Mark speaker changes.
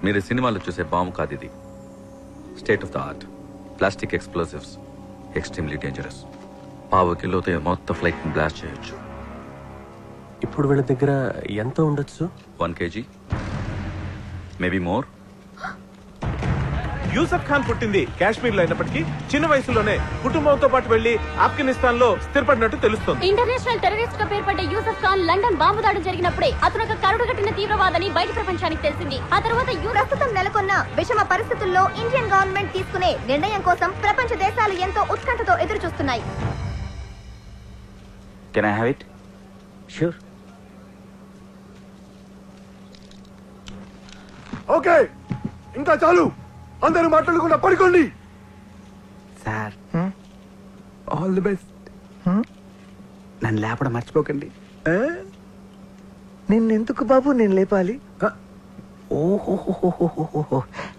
Speaker 1: మీరు సినిమాలో చూసే బాంబు కాదు ఇది. State of the art. Plastic explosives, extremely dangerous. 1/2 కిలోతో మొత్తం ఫ్లైట్ని బ్లాస్ట్ చేయొచ్చు.
Speaker 2: ఇప్పుడు వీళ్ళ దగ్గర ఎంత ఉండొచ్చు?
Speaker 1: 1 kg, maybe more.
Speaker 3: Yusuf Khan పుట్టింది కాశ్మీర్ లో అయినప్పటికీ చిన్న వయసులోనే కుటుంబంతో పాటు వెళ్లి ఆఫ్ఘనిస్తాన్ లో స్థిరపడినట్టు తెలుస్తోంది.
Speaker 4: ఇంటర్నేషనల్ టెర్రరిస్ట్ గా పేర్పడ్డ యూసఫ్ ఖాన్ లండన్ బాంబు దాడి జరిగినప్పుడే అతను ఒక కరుడుగట్టిన తీవ్రవాదని బయట ప్రపంచానికి తెలిసింది. ఆ తర్వాత
Speaker 5: ప్రస్తుతం నెలకొన్న విషమ పరిస్థితుల్లో ఇండియన్ గవర్నమెంట్ తీసుకునే నిర్ణయం కోసం ప్రపంచ దేశాలు ఎంతో ఉత్కంఠతో ఎదురు చూస్తున్నాయి.
Speaker 6: Can I have it?
Speaker 7: Sure.
Speaker 8: Okay, ఇంకా చాలు. అందరూ మాట్లాడకుండా పడుకోండి.
Speaker 6: Sir, all the best. నన్ను లేపడం మర్చిపోకండి.
Speaker 7: నిన్నెందుకు బాబు నేను లేపాలి?
Speaker 6: ఓహో,